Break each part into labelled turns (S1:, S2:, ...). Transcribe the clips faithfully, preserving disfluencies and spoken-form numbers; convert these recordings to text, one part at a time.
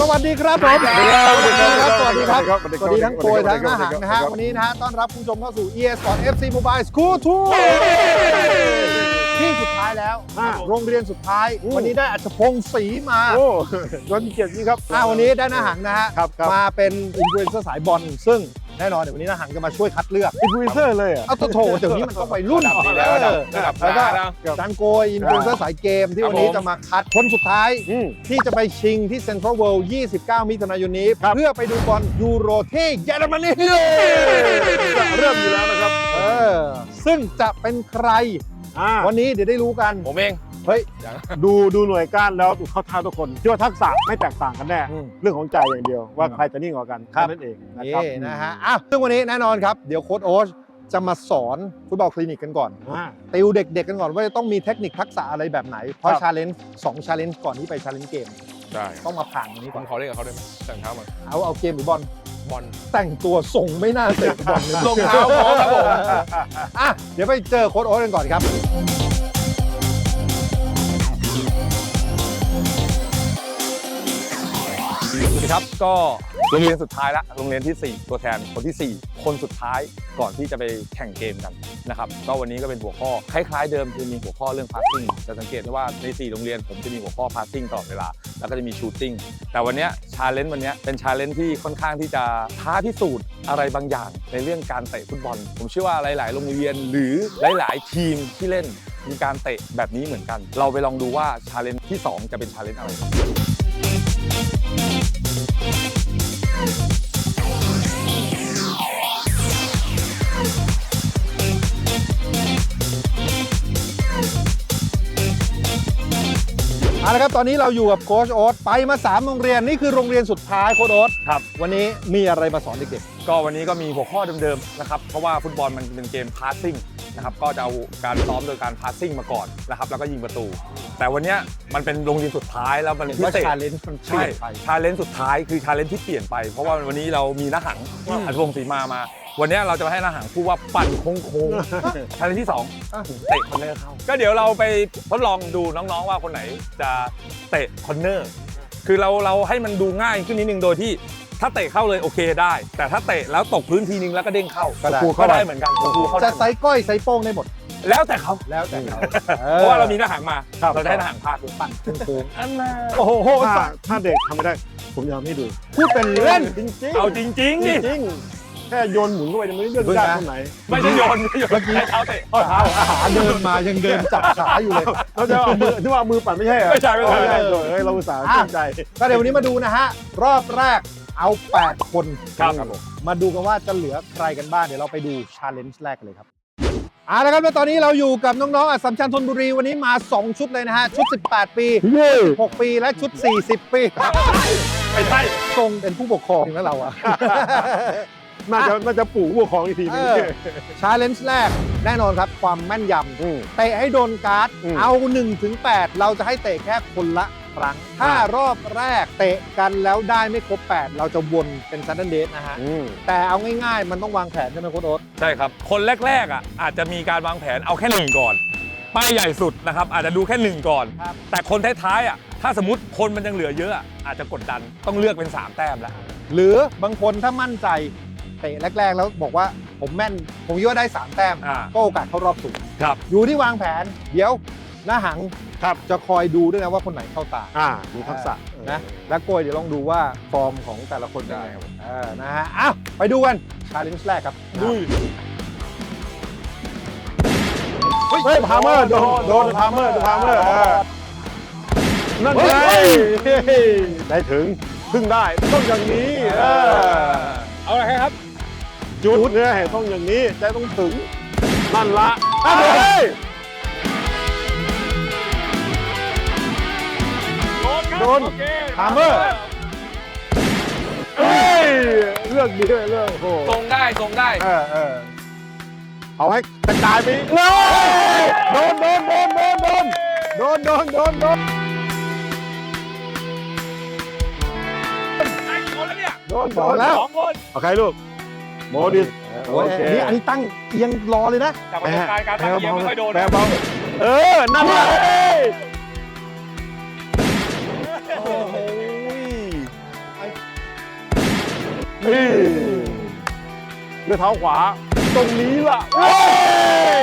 S1: วัสดีครับผมสวัสดีครับสวัสดีครับสวัสดีครับสวัสดีทั้งโกยทั้งอาหารนะฮะวันนี้นะฮะต้อนรับคุณผู้ชมเข้าสู่ อี เอ Sport เอฟ ซี Mobile School Tour ที่สุดท้ายแล้วโรงเรียนสุดท้ายวันนี้ได้อัจฉพงศ์ศรีมา
S2: โอ้ยอดเกียรตินี่ครับ
S1: วันนี้ได้อาหารนะฮะมาเป็นอินฟลูเอนเซอร์สายบอลซึ่งแน่นอนเดี๋ยววันนี้นะหังจะมาช่วยคัดเลือก
S2: อินฟลูเอนเซอร์เลยอ่ะ
S1: เอาโถเดี๋ยวนี้มันต้องไปรุ่นแล้วแล้วก็จันโกยอินฟลูเอนเซอร์สายเกมที่วันนี้จะมาคัดคนสุดท้ายที่จะไปชิงที่เซ็นทรัลเวิลด์ยี่สิบเก้ามิถุนายนนี้เพื่อไปดูบอลยูโรที่เยอรมนี
S2: เริ่มอยู่แล้วนะครับ
S1: เออซึ่งจะเป็นใครวันนี้เดี๋ยวได้รู้กัน
S3: ผมเอง
S2: เฮ้ยดูดูหน่วยก้านแล้วเข้าท่าทุกคนเชื่อว่าทักษะไม่แตกต่างกันแน่เรื่องของใจอย่างเดียวว่าใครจะนิ่งกว่ากันนั่นเองนะครับ
S1: นะฮะอ้าวซึ่งวันนี้แน่นอนครับเดี๋ยวโค้ชโอ๊ตจะมาสอนฟุตบอลคลินิกกันก่อนติวเด็กๆกันก่อนว่าจะต้องมีเทคนิคทักษะอะไรแบบไหนเพราะชาเลนจ์สองชาเลนจ์ก่อนที่ไปชาเลนจ์เกม
S3: ได้
S1: ต้องมาผ่านตรงนี้ก่อน
S3: ขอเล่นกับเขาได้ไหมแต่งเท้ามา
S1: เอาเอาเกมหรือบอล
S3: บอล
S1: แต่งตัวส่งไม่น่าเตะบอล
S3: รองเท้าพร้อมครับผม
S1: อ่ะเดี๋ยวไปเจอโค้ชโอ๊ตกันก่อนครับ
S3: สวัสดีครับก็โรงเรียนสุดท้ายละโรงเรียนที่สี่ตัวแทนคนที่สี่คนสุดท้ายก่อนที่จะไปแข่งเกมกันนะครับก็วันนี้ก็เป็นหัวข้อคล้ายๆเดิมคือมีหัวข้อเรื่อง passing จะสังเกตได้ว่าในสี่โรงเรียนผมจะมีหัวข้อ passing ตลอดเวลาแล้วก็จะมี shooting แต่วันนี้ challenge วันนี้เป็น challenge ที่ค่อนข้างที่จะท้าพิสูจน์อะไรบางอย่างในเรื่องการเตะฟุตบอลผมเชื่อว่าหลายๆโรงเรียนหรือหลายๆทีมที่เล่นมีการเตะแบบนี้เหมือนกันเราไปลองดูว่า challenge ที่สองจะเป็น challenge อะไร
S1: เอาละครับตอนนี้เราอยู่กับโค้ชโอ๊ตไปมาสามโรงเรียนนี่คือโรงเรียนสุดท้ายโค้ชโอ๊ต
S3: ครับ
S1: วันนี้มีอะไรมาสอนเด็ก
S3: ๆก็วันนี้ก็มีหัวข้อเดิมๆนะครับเพราะว่าฟุตบอลมันเป็นเกมพาสซิ่งนะครับก็จะเอาการซ้อมโดยการพาสซิ่งมาก่อนนะครับแล้วก็ยิงประตูแต่วันนี้มันเป็นโรงเรียนสุดท้ายแล้วมันพิเศษ
S1: ชาเลนจ์มันเปลี่ยนไป
S3: ชาเลนจ์สุดท้ายคือชาเลนจ์ที่เปลี่ยนไปเพราะว่าวันนี้เรามีน้าหังอัจฉริยะศรีมามาวันนี้เราจะมาให้น้าหังพูดว่าปั่นโค้งๆชาเลนจ์ที่สองเตะคอนเนอร์เข้าก็เดี๋ยวเราไปทดลองดูน้องๆว่าคนไหนจะเตะคอนเนอร์คือเราเราให้มันดูง่ายขึ้นนิดนึงโดยที่ถ้าเตะเข้าเลยโอเคได้แต่ถ้าเตะแล้วตกพื้นทีนึงแล้วก็เด้งเข้าก็ได้เหมือนกัน
S1: จะไซก้อยไซโป้งได้หมด
S3: แล้วแต่เขา
S1: แล้วแต่เขา
S3: เพราะว่าเรามีหน้าหางมาเราได้หน้าหางพาด
S1: ปั่นโค้ง
S3: อันน่ะ
S1: โอ้โห
S2: ถ้าเด็กทำไม่ได้ผมยอมให้ดู
S1: พูดเป็นเล่นจริง
S3: ๆเอาจริงๆนี่
S2: จริงแค่โยนหมุนเข้าไปไม่ได้เลือกได้ตรงไหน
S3: ไม่ใช่โยนไม่ใช่เมื่อกี้เท้าเตะ
S1: เท้าอาหารเดินมายังเดินจับขาอยู่เลย
S2: เราจะเอามือที่ว่ามือปั่นไม่ใช่เหรอ
S3: ไม่ใช่ไม่ใช่
S2: เฮ้ยเราอุตส่าห์ตั้งใจ
S1: ก็เดี๋ยววันนี้มาดูนะฮะรอบแรกเอาแปดคน
S3: ครับ
S1: มาดูกันว่าจะเหลือใครกันบ้างเดี๋ยวเราไปดูชาเลนจ์แรกเลยครับเอาละครับแล้วตอนนี้เราอยู่กับน้องๆอัสสัมชัญธนบุรีวันนี้มาสองชุดเลยนะฮะชุดสิบแปดปีสิบหกปีและชุดสี่สิบปี
S3: ไม่ใช่
S1: ทรงเป็นผู้ปกครองนะเราอะ
S2: น่าจะน่าจะปู่ผู้ปกครองอีกทีนึง
S1: ชาเลนจ์แรกแน่นอนครับความแม่นยำเตะให้โดนการ์ดเอาหนึ่งถึงแปดเราจะให้เตะแค่คนละครั้งถ้ารอบแรกเตะกันแล้วได้ไม่ครบแปดเราจะวนเป็นซันเดนเดสนะฮะแต่เอาง่ายๆมันต้องวางแผนใช่ไหมโค้ชโอ๊ต
S3: ใช่ครับคนแรกๆอ่ะอาจจะมีการวางแผนเอาแค่หนึ่งก่อนป้ายใหญ่สุดนะครับอาจจะดูแค่หนึ่งก่อนแต่คนท้ายๆอ่ะถ้าสมมติคนมันยังเหลือเยอะอาจจะกดดันต้องเลือกเป็นสามแต้มแล้ว
S1: หรือบางคนถ้ามั่นใจเตะแรกๆแล้วบอกว่าผมแม่นผมคิดว่าได้สามแต้มก็โอกาสเข้ารอบสูงอยู่ที่วางแผนเดี๋ยวหน้าหังครับจะคอยดูด้วยนะว่าคนไหนเข้าตา
S2: อ่าดูทักษะ
S1: นะแล้วโกยเดี๋ยวลองดูว่าฟอร์มของแต่ละคนได้ครับเออนะฮะอ้าวไปดูกันชาเลนจ์แรกครับ
S2: ดุยเฮ้ยพาเมอร์โดนโดนพาเมอร์พาเมอร์นั่นไงได้ถึงพึ่งได้ต้องอย่างนี้
S3: เอาอะไรครับ
S2: จุดเนี่ยต้องอย่างนี้ใจต้องถึงนั่นละโดนฮาร์เมอร์เฮ้ยเลือกดีเลยเลือกโอ้
S3: ทรงได้ทรงได้
S2: เออเออเอาให้กระจายไปเลยโดนโดนโดนโดนโดนโดนโดนโดนโดน
S3: ไอ้คนแล้วเนี่ย
S2: โดนโดนแล้วเอาใครลูกโมดิส
S1: โอเคนี่อันนี้ตั้งเอียงรอเลยนะ
S3: แต่ประสบการณ์การตั้งเอียงไม่ค่อยโดน
S2: แปรเบาเออนั่นแหละฮ้ยด้วยเท้าขวาตรงนี้ล่ะเฮ้ย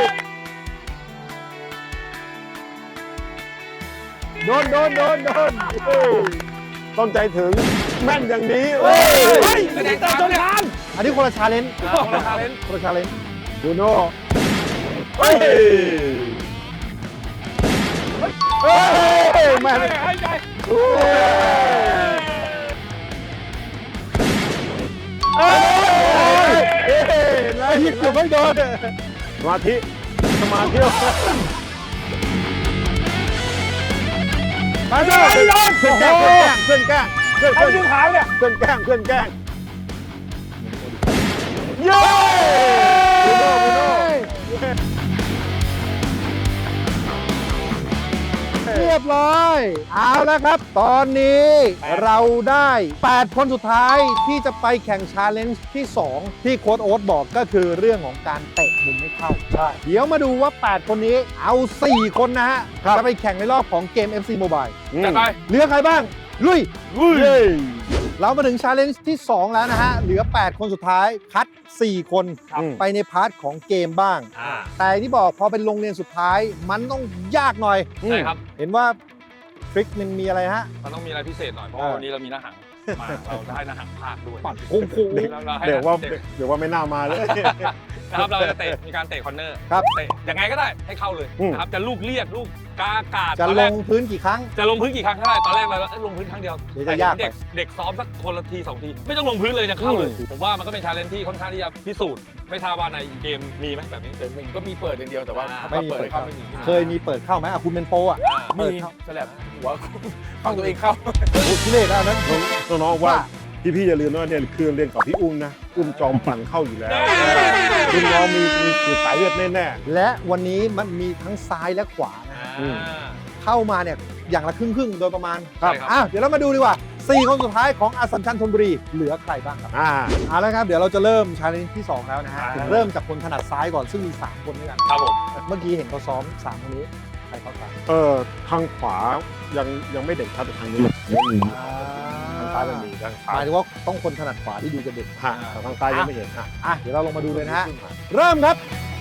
S2: โดนโดนโดนโดนเฮ้ยต้องใจถึงแม่นอย่างนี้เฮ้ย
S3: เฮ้ยไม่ได้ตามต้นทาง
S1: อันนี้คนละชาเลนจ์
S3: คนละชาเลนจ์
S1: คนละชาเลนจ์
S2: บูโน่เฮ้ยเฮ้ยแม่น
S3: ให้ใจ
S2: เฮ้ยเฮ้ยไอ้ที่เกือบไม่โดนสมาธิสมาธิไปเลยเพื่อนแกล้งเพื่อนแกล้งเพื่อนแกล้ง
S3: ให้ดูขายเนี่ย
S2: เพื่อนแกล้งเพื่อนแกล้งเย้บูโน่บูโน่
S1: เรียบร้อยเอาแล้วครับ ตอนนี้เราได้ แปด คนสุดท้ายที่จะไปแข่งชาเลนจ์ที่ สอง ที่โค้ชโอ๊ตบอกก็คือเรื่องของการเตะมุมไม่เข้า
S2: ใช่
S1: เดี๋ยวมาดูว่า แปด คนนี้เอา สี่ คนนะฮะ จะไปแข่งในรอบของเกม เอฟ ซี Mobile
S3: จัดไป
S1: เหลือใครบ้าง ลุย
S2: เย้
S1: เรามาถึงชาเลนจ์ที่ สอง แล้วนะฮะ เหลือ แปด คนสุดท้าย คัด สี่ คน
S2: ครับ
S1: ไปในพาร์ทของเกมบ้าง แต่ที่บอกพอเป็นโรงเรียนสุดท้าย มันต้องยากหน่อย
S3: ใช่ครับ
S1: เห็นว่าทริคมันมีอะไรฮะ
S3: มันต้องมีอะไรพิเศษหน่อย เพราะ
S1: เออ
S3: วันนี้เรามีหน้าหังมา เราได้หน้าหังภาคด้วย
S1: ปั่นโค้งโค้ง
S3: เราเราให้
S2: เดี๋ยวว่า
S3: เด็ก
S2: เดี๋ยวว่าไม่น่ามาเลย
S3: นะครับเราจะเตะมีการเตะคอร์เนอร์
S1: ครับ
S3: เตะยังไงก็ได้ให้เข้าเลย
S2: อืม
S3: นะครับจะลูกเรียกลูกกาอากาศ
S1: จะ
S3: ตอน
S1: ล
S3: แรก
S1: งพื้นกี่ครั้ง
S3: จะลงพื้นกี่ครั้งก็ได้ตอนแรกเราเอ้ยลงพื้นครั้งเดียว
S1: เดี๋ยวจะยากไป
S3: เด็กเด็กซ้อมสักคนละทีสองทีไม่ต้องลงพื้นเลยจะเข้าเลย ผมว่ามันก็เป็นชาเลนจ์ที่ค่อนข้างที่จะพิสูจน์ไม่ทราบว่าในเกมมีไหมแบบนี้
S4: ผมก็มีเปิดอย่างเดียวแต่ว่า
S3: อ่า
S1: ไม่มี
S4: เปิด
S1: เปิด
S4: เข้า
S1: เข้า
S4: ไม่มี
S1: เคยมีเปิดเข้าไหมอ่ะคุณเป็นโปรอ่ะ
S3: อ่า
S1: เปิ
S4: มี
S1: ดเข้า
S4: ฉลับหัวฟังตัวเองเข้า
S1: โอ้ทุเรศแล้วนั้น
S2: น้องๆว่าพี่พี่ๆอย่าลืมว่าเนี่ยคือเรียนกับพี่อุ้มนะ อุ้มจอมปั่นเข้าอยู่แล้วคุณน้องมีมีมีสายเลือดแน่
S1: และวันนี้มันมีทั้งซ้ายและขวานะ
S3: อ่า
S1: เข้ามาเนี่ยอย่างละครึ่งครึ่งๆโดยประมาณ
S3: ใช่ครับ
S1: อ่ะเดี๋ยวเรามาดูดีกว่า สี่ คนสุดท้ายของอัสสัมชัญธนบุรีเหลือใครบ้างครับ
S2: ๆอ่า
S1: เอาละครับเดี๋ยวเราจะเริ่มชาเลนจ์ที่ สอง แล้วนะฮะ
S3: อ่า
S1: เริ่มจากคนถนัดซ้ายก่อนซึ่งมี สาม คนด้วยกัน
S3: ครับผม
S1: เมื่อกี้เห็นเขาซ้อมสามคนนี้ใครเข้าไป
S2: เออทางขวายังยังไม่เด่นครับแต่ทางนี้ยังมีทางซ้ายมันมีทาง
S1: ห
S2: ซ้าย
S1: มายถึงว่าต้องคนถนัดขวาที่ดูจะเด่น
S2: ฮะแต่ทางซ้ายยังไม่เห็นอ่ะ
S1: อ่ะเดี๋ยวเราลงมาดูเลยนะฮะเริ่มครับ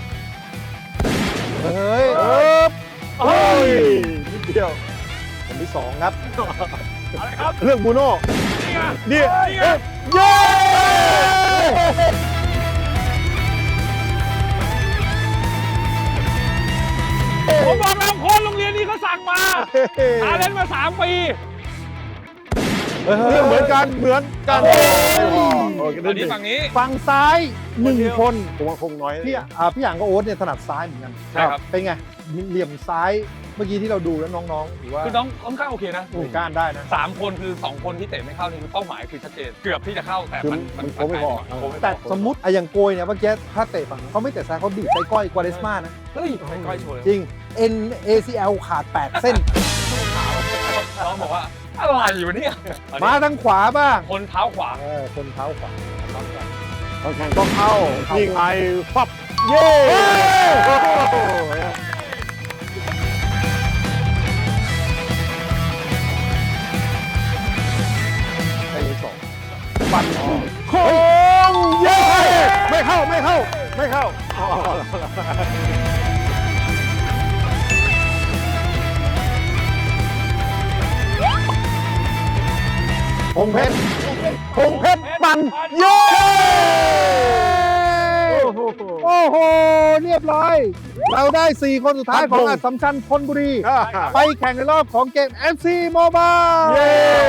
S1: เฮ้ย
S2: เออเฮ้ยนิดเดียว
S1: คนที่สองครับ
S3: อะไรครับ
S2: เรื่องบูโน่
S3: นี่ไง
S2: นี่
S3: นี่ไง
S2: เย้
S3: ผมบอกแล้วโค้ชโรงเรียนนี้เขาสั่งมาชาเลนจ์มาสามปี
S1: เฮ้ย
S2: เรื่องเหมือนกันเหมือนกัน
S1: โอ้
S2: โอเค
S3: อั
S2: ได้
S3: นนี้
S2: ดี
S3: ฝั่งนี้
S1: ฝั่งซ้ายหนึ่งคน
S2: ผมว่าคงน้อย
S1: พี่อ่ะอ่าพี่หยางกับโอ๊ตเนี่ยถนัดซ้ายเหมือนกัน
S3: ใช่ครับ
S1: เป็นไงเหลี่ยมซ้ายเมื่อกี้ที่เราดูแล้วน้องๆถือว่า
S3: คือน้องค่อนข้างโอเคนะ
S1: หน่วยก้านได้นะ
S3: สามคนคือสองคนที่เตะไม่เข้านี่คือเป้าหมายคือชัดเจนเกือบที่จะเข้าแต่
S2: คือ
S3: มัน
S2: มันโค้งไม่พอ
S3: โค้งไม่พอ
S1: แต่สมมติอะอย่างโกยเนี่ยเมื่อกี้ถ้าเตะฝั่งนั้นเขาไม่เตะซ้ายเขาดีดใส่ก้อยกวาเดสมานะ
S3: เฮ้ยค่อยๆโชว์เลย
S1: จริง เอ็น เอ ซี แอล ขาด แปด เส้น
S3: น้องบอกว่าอะไรวะเนี่ย
S1: มาทางขวาบ้าง
S3: คนเท้าขวา
S1: เออคนเท้าขวา
S2: ตอนแข่งก็เข้านี่ไงฟับเย้
S1: ไปเลยสอง
S2: ปั่นโค้งเย้ไม่เข้าไม่เข้าไม่เข้าอ๋อ
S1: พงเพชร
S2: พงเพชรปั่นเย้
S1: โอ้โห เรียบร้อย เราได้ สี่ คนสุดท้ายของอัสสัมชัญธนบุรี ไปแข่งในรอบของเกม เอฟ ซี Mobile
S2: เย้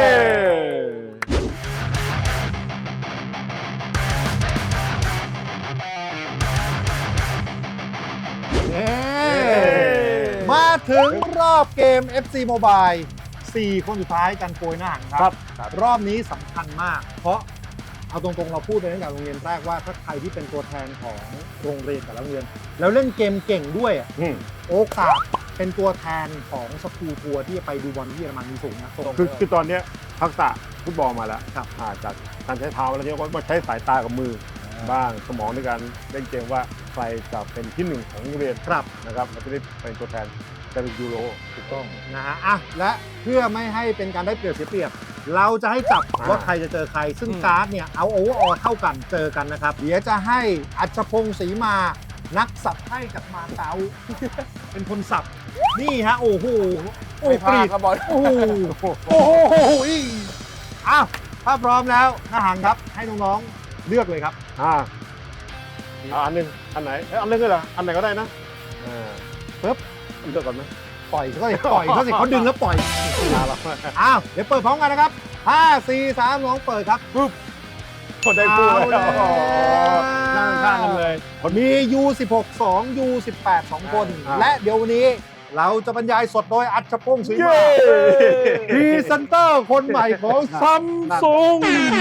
S1: มาถึงรอบเกม เอฟ ซี Mobile สี่ คนสุดท้ายกันโกยหน้าหางครับ รอบนี้สำคัญมาก เพราะเอาตรงๆเราพูดไปตั้งแต่โรงเรียนแรกว่าถ้าใครที่เป็นตัวแทนของโรงเรียนแต่ละโรงเรียน แล้วเล่นเกมเก่งด้วยอะ
S2: อืม
S1: โอกาสเป็นตัวแทนของสกูลทัวร์ที่จะไปดูบอลที่เยอรมันมีสูงนะ
S2: คือคือตอนเนี้ยทักษะฟุตบอลมาแล้วครับอ่าจากการใช้เท้าแล้วเนี่ยก็มาใช้สายตากับมือบ้างสมองในการเล่นเกมว่าใครจะเป็นที่หนึ่งของโรงเรียน
S1: ครับ
S2: นะครับเราจะได้เป็นตัวแทนจะเป็นยูโร
S1: ถูกต้องนะฮะอ่ะและเพื่อไม่ให้เป็นการได้เปรียบเสียเปรียบเราจะให้จับ
S2: อ่า
S1: ว่าใครจะเจอใคร ซึ่งการ์ดเนี่ยเอาโอเวอร์ออลเท่ากันเจอกันนะครับ เดี๋ยวจะให้อัชพงศ์ศรีมา นักสับให้กับมาเก๊า เป็นคนสับ นี่ฮะ โอ้โห โอ้
S4: ไม่พ
S1: ป
S4: ลา
S1: รี
S4: ด
S1: ด
S4: ครับบอล
S1: โอ้โห โอ้โหอีอ้าวถ้าพร้อมแล้วนาหังครับ ให้น้องๆเลือกเลยครับ
S2: อ่าเอาอันหนึงอันไหนเอ้ยอันหนึงก็เหรออันไหนก็ได้นะอ่า
S1: ปึ๊บ
S2: เลือกก่อนไหม
S1: ปล่อยเขาสิปล่อยเขาสิเขาดึงแล้วปล่อย
S2: มาแล้ว
S1: อ้าว เดี๋ยวเปิดพร้อมกันนะครับห้า สี่ สาม สองเปิดครับ
S2: คนได้คู่เลย
S1: เอาแล้ว
S2: นั่งข้างกันเลย
S1: มี ยู สิบหก สอง ยู สิบแปด สองคน
S2: อ่า
S1: และเดี๋ยววันนี้เราจะบรรยายสดโดยอัชพงศ์ศรี
S2: เย้
S1: มาพรีเซนเตอร์คนใหม่ของซัมซุง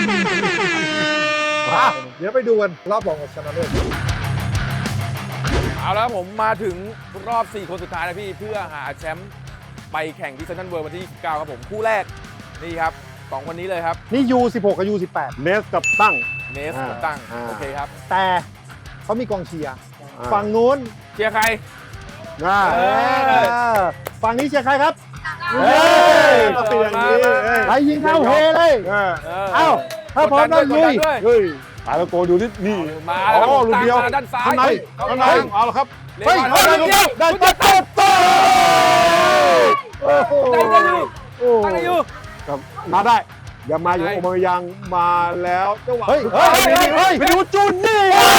S1: เดี๋ยวไปดูกันรอบรองชนะเลิศ
S4: เอาแล้วผมมาถึงรอบ สี่ คนสุดท้ายนะพี่ เพื่อหาแชมป์ไปแข่งที่เซนทรัลเวิลด์วันที่ยี่สิบเก้าครับผม คู่แรก นี่ครับสองคนนี้เลยครับ
S1: นี่ ยู สิบหก กับ ยู สิบแปด
S2: เนสกับตั้ง
S4: เนส
S2: อ่า
S4: กับตั้ง
S2: อ่า
S4: โอเคครับ
S1: แต่เขามีกองเชียร์
S2: อ่า
S1: ฝั่งนู้น
S4: เชียร์ใคร
S2: น่า
S1: เออฝั่งนี้เชียร์ใครครับ
S2: เฮ้ยก็เป็นอย่างนี้เฮ้ย
S1: ใครยิงเข้าเฮเลย
S2: เออ
S1: เอ้าถ้าพร้อมแล้วลุย
S4: กดดันด้วย
S2: เฮ้ยตายแล้วโกดูนี่นี่
S4: มาแล้วครับ
S2: อ๋อ
S4: ผม
S2: ลูกเดียว
S4: ตั้งมาด้านซ้าย
S2: ข้างใน
S4: เข้า
S2: ข้างใน
S4: ทาง
S2: เอาละครับ
S4: เล่น
S1: เฮ้ย
S4: บอล
S1: ได้
S4: ลูกเดียว
S1: ได้ได้ได้ได้
S2: โอ้โห
S4: ได้ได้อยู่
S2: โอ้
S4: ตั้งได้อยู่
S2: ครับมาได้ อย่ามาอยู่
S4: ได้
S2: โอมายังมาแล้วจังหวะ
S1: เฮ้ยเฮ้ยเฮ้ยเฮ้ย
S2: ไปดูจุนนี่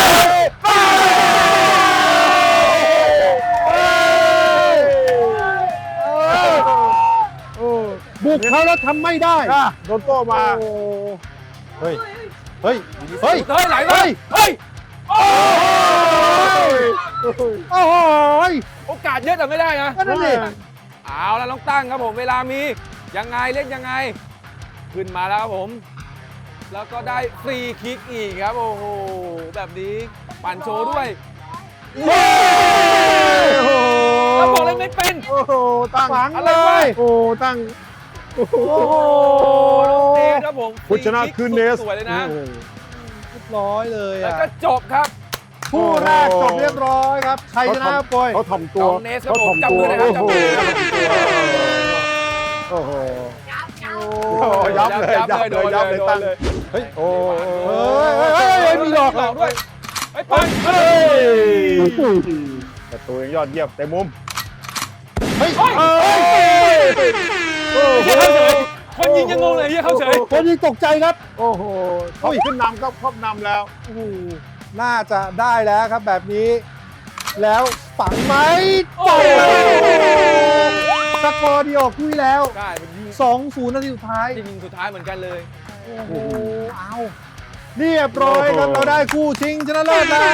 S1: บุกเขาแล้วทำไม่ได้
S2: อ่ะโดนโต้มา
S1: โอ้เฮ้ย เฮ้ย เฮ้ย
S4: เฮ้ยไหลเล
S1: เฮ้
S4: ย
S1: ย
S4: เฮ้ย
S1: โอ้โห
S4: โอกาสเยอะแต่ไม่ได้นะ
S1: ก็นั่นดิ
S4: เอาแล้วน้องตั้งครับผมเวลามียังไงเล่นยังไง ขึ้นมาแล้วครับผม แล้วก็ได้ฟรีคิกอีกครับโอ้โหแบบนี้ปั่นโชว์ด้วยแล้วบอกเลยไม่เป็น
S2: โอ้โหตั้ง
S1: ฝัง
S4: อะไร
S1: เล
S4: วะ
S1: ย
S2: โอ้ตั้งโอ้โห
S1: โอ้โห
S4: น้องเนสครับผม
S2: ผู้ชนะคือเนส
S4: สวยเลยนะ
S2: โอ้โห
S1: เรียบร้อยเลย
S4: แล้ว
S1: อ่ะ
S4: ก็จบครับ
S1: คู่แรกจบเรียบร้อยครับ ใครชนะครับปอย
S2: เขาถ่อมตัว
S4: น้องเนสครับ
S2: เขา
S4: ผ
S2: ถ่อ
S4: ม
S2: ม
S4: จับ
S2: ตัว
S4: มือเลยครับจับมือ
S2: โอ้โห
S1: โอ้โห
S2: โอ้โหยับเลยยับเลยยับเลยตั้ง
S1: เฮ้ย
S2: โอ้
S1: เฮ้ยเฮ้ยเฮ้ยเฮ้ยมีหลอก
S4: หลอกด้วยไอ้ยปัง
S2: เฮ้ยแต่ตัวยังยอดเยี่ยมแต่มุม
S1: เฮ้ย
S2: เฮ้ยโอ้โห
S4: เฮียเข้าเฉยคนยิงยังงงเลยเฮียเข้าเฉย
S1: คนยิงตกใจครับ
S2: โอ้โหเขาขึ้นนำก็ครอบนำแล้ว
S1: โอ้โหน่าจะได้แล้วครับแบบนี้ แล้วฝังไหมโอ้โหสกอร์เดียวคุยแล้ว
S4: ใช่มันยิง
S1: สองศูนย์นาทีสุดท้าย
S4: ยิงสุดท้ายเหมือนกันเลย
S1: โอ้โห เอาเรียบร้อยครับ
S2: โอ้โห
S1: เราได้คู่ชิงชนะเลิศแล้ว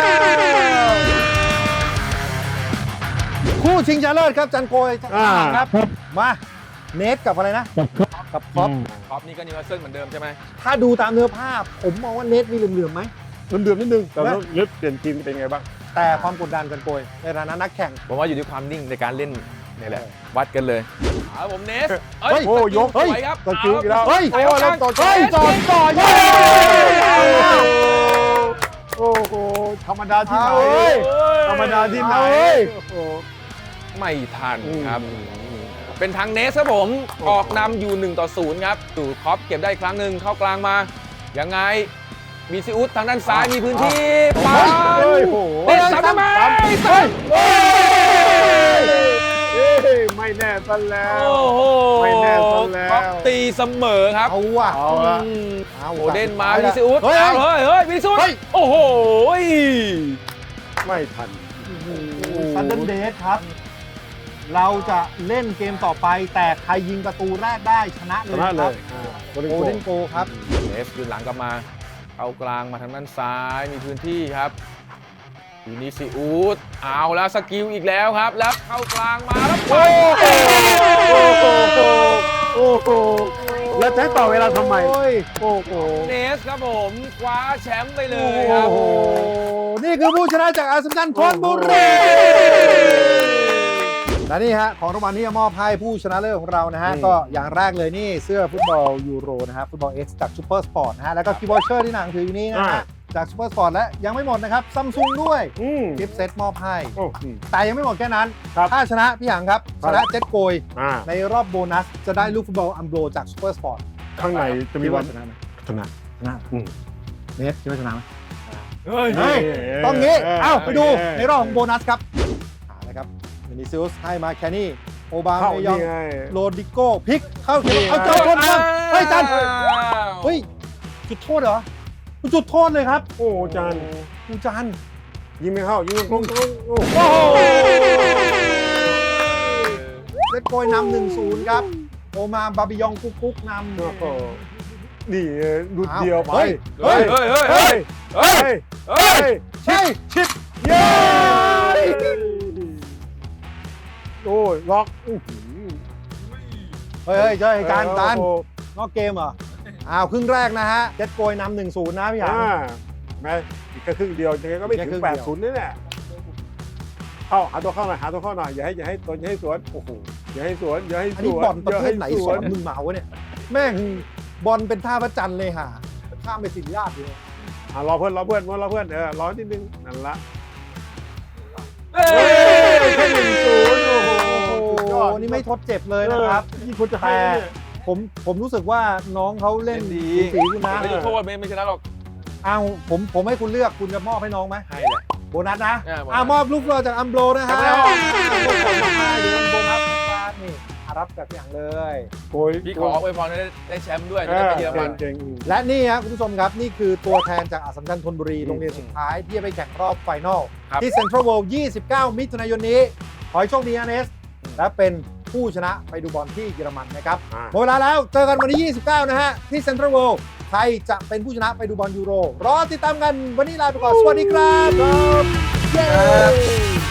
S1: คู่ชิงชนะเลิศครับจันโกย
S2: อ่า
S1: ครับ มาเนทกับอะไรนะ กับคอป
S4: ท็อปนี่ก็นิวคาสเซิลเหมือนเดิมใช่ไหม
S1: ถ้าดูตามเนื้อภาพ ผมมองว่าเนทมีเหลื่อมๆไหม
S2: เดือดนิดนึงแต่แล้วลึกเปลี่ยนทีมเป็นไงบ้าง
S1: แต่ความกดดันจันโกยในฐานะนักแข่ง
S4: ผมว่าอยู่ที่ความนิ่งในการเล่นนี่แหละ วัดกันเลยเอาผมเนส
S1: เฮ้ย
S2: โอ้ยก
S4: สวยครับ
S2: ตะกิ้วอีกแล้ว
S1: เฮ้ย
S2: โอ้ยแล้วต่อ
S1: เฮ้ยจอดต่อเย้
S2: โอ้โหธรรมดาที่ไหน
S1: เอาเว้ย
S2: ธรรมดาที่ไหน
S1: เอาเว้ย
S2: โอ้โห
S4: ไม่ทัน
S2: อืม
S4: ครับ เป็นทางเนสครับผม ออกนำอยู่หนึ่งต่อศูนย์ครับตู่คอปเก็บได้อีกครั้งหนึ่งเข้ากลางมา ยังไง มีซิอุสทางด้านซ้ายมีพื้นที่ปา
S2: เฮ้ยโอ้โห
S4: เตะซ้ำได้ไหมซ้ำ
S2: เฮ้ยไม่แน่ซะแล้ว
S4: โอ้โห
S2: ไม่แน่ซะแล้ว
S4: คอปตีเสมอครับ
S1: เอาว่ะ
S2: เอาละ
S4: อืม
S1: เอา
S4: โอเดนมา
S1: สุ
S4: วิ
S1: ดท้ย
S4: ซิอุส
S1: เฮ้ย
S4: เอาเฮ้ยเฮ้ยวิซิอุส
S1: เฮ้ย
S4: โอ้โห
S2: ไม่ทัน
S1: ซันเดนเดสครับ เราจะเล่นเกมต่อไป แต่ใครยิงประตูแรกได้ชนะเล
S2: ช
S1: ย
S2: นะ
S1: นะ
S2: เล
S1: ครับ
S2: ยอ่า
S1: โอเดนโกครับ
S4: เนสยืนหลังกลับมา เอากลางมาทางด้านซ้ายมีพื้นที่ครับวินิซิอุสเอาแล้วสกิลอีกแล้วครับ แล้วเข้ากลางมาแล้วไป
S2: โอ้โหโอ้โหแล้วจะให้ต่อเวลาทำไม
S1: โอ้ย
S2: โอ้โห
S4: เนสครับผมคว้าแชมป์ไปเลยครับ
S1: โอ้โห นี่คือผู้ชนะจากอาสมชัญธนบุรีและนี่ฮะของรางวัลที่จะมอบให้ผู้ชนะเลิศของเรานะฮะ
S2: อืม
S1: ก็อย่างแรกเลยนี่เสื้อฟุตบอลยูโรนะฮะฟุตบอล X จากซูเปอร์สปอร์ตนะฮะแล้วก็คีย์บอร์ดเชอร์ที่หนังถืออยู่นี่นะฮะจากซูเปอร์สปอร์ตและยังไม่หมดนะครับซัมซุงด้วย
S2: อืม
S1: กิฟต์เซตมอบให้
S2: โอ้อืม
S1: แต่ยังไม่หมดแค่นั้น
S2: ครับ
S1: ถ้าชนะพี่หยางครับ
S2: ครั
S1: ช
S2: บ
S1: นะเจ็ตโกย
S2: อ่า
S1: ในรอบโบนัสจะได้ลูกฟุตบอลอัมโบรจากซูเปอร์สปอร์ต
S2: ข้างในจะมี
S1: คิด
S2: วั
S1: ว่าน ชนะไหม
S2: ชนะ
S1: ชนะ
S2: อืม
S1: เนสคิดว่าชนะไหม
S4: เฮ้ย
S1: เฮ้ย ต้องงี้
S2: เออ
S1: เอ้าไปดู
S2: เออ
S1: ในรอบของโบนัสครับหานะครับเวนิซิอุสให้มาแคนนี่โอบา
S2: เข้า
S1: เมยอง
S2: นี่ไง
S1: โรดิโก้พลิกเข้าเขต
S2: นี่ไง
S1: เอาเจ้าคนครับเฮ้ยจัน
S4: อ้าว
S1: เฮ้ยจุดโทษเหรอจุดโทษเลยครับ
S2: โอ้จาน
S1: กูจัน
S2: ยิงไม่เข้ายิงตรงตรงโอ้โห
S1: โอ้โหเลดโกยนำหนึ่งศูนย์ครับโอมาบาบิยองกุ๊กกุ๊กนำ
S2: โอ้โหนี่ดุดเดียวไป
S1: เฮ้ย
S4: เฮ้ยเฮ้ยเฮ้ย
S2: เฮ้ย
S4: เฮ้ย
S2: เฮ้ย
S4: เฮ้ย
S1: ใช่
S2: ชิปเย้โอ้ยล็อกอื้อหือ
S1: เฮ้ยเฮ้ยเฮ้ยจานจาน
S2: โอ้โห
S1: นอกเกมเหรออ้าวครึ่งแรกนะฮะเลดโกยนำหนึ่งศูนย์นะพี่หยาง
S2: อ่าแม่อีกแค่ครึ่งเดียวยังไงก็ไม่
S1: แค่
S2: ถึ
S1: ครึ่
S2: ง
S1: ง
S2: แป
S1: เดี
S2: ด
S1: ยว
S2: ศูนย์นี่แหละเข้าหาตัวเข้าหน่อยหาตัวเข้าหน่อยอย่าให้อย่าให้ตัวอย่าให้สวนโอ้โหอย่าให้สวนอย่าให้
S1: อัน
S2: ส
S1: นี้
S2: วน
S1: บอลประเภทไหน
S2: อย่าให้
S1: สอนมึงมาวะเนี่ยแม่งบอลเป็นท่าพระจันทร์เลยห่าข้ามไปสิริราชอยู่เลย
S2: อ่ารอเพื่อนรอเพื่อนรอเพื่อนเออรอนิดนึงนั่นละ
S4: เฮ้
S2: เฮ้
S4: ย
S2: ยแค่หนึ่งศูนย์โอ้โห
S1: โอ้
S2: สุดยอด
S1: โหนี่ไม่ทดเจ็บเลยนะครับ
S2: นี่คุณจะให้
S1: แต่
S2: เนี่ย
S1: ผมผมรู้สึกว่าน้องเขาเล่น
S4: เล่นดี
S1: สีคุณนะ
S4: ไม่ได้โทษไม่ไม่ชนะหรอก
S1: เอาผมผมให้คุณเลือกคุณจะมอบให้น้องไหม
S4: ให้แหละ
S1: โบนัสนะ
S4: อ่าโบนัส
S1: อ่ามอบลูกโลจากอัมโบรนะฮะ
S4: ครับ
S1: ลูกของมาให้ดูกันโบนัสนะครับนี่อารับจากอย่างเลย
S2: โอ้ย
S4: พี่ขออวยพรให้ได้แชมป์ด้วย
S2: เอ
S4: จะได้
S2: อ
S4: ไปเยอรมัน
S2: เก่ง
S1: และนี่ครับคุณผู้ชมครับ นี่คือตัวแทนจากอัสสัมชัญธนบุรี
S2: อืม
S1: โรงเรียนสุดท้ายที่จะไปแข่งรอบไฟนอล
S4: ครับ
S1: ที่เซ็นทรัลเวิลด์ยี่สิบเก้า มิถุนายนนี้ ขอให้โชคดีนะเนส
S4: อืม
S1: และเป็นผู้ชนะไปดูบอลที่เยอรมันนะครับ
S2: ๆอ่า
S1: หมดเวลาแล้วเจอกันวันที่ยี่สิบเก้า นะฮะ ที่เซ็นทรัลเวิลด์ใครจะเป็นผู้ชนะไปดูบอลยูโร รอติดตามกันวันนี้ลาไปก่อน สวัสดีครับเย้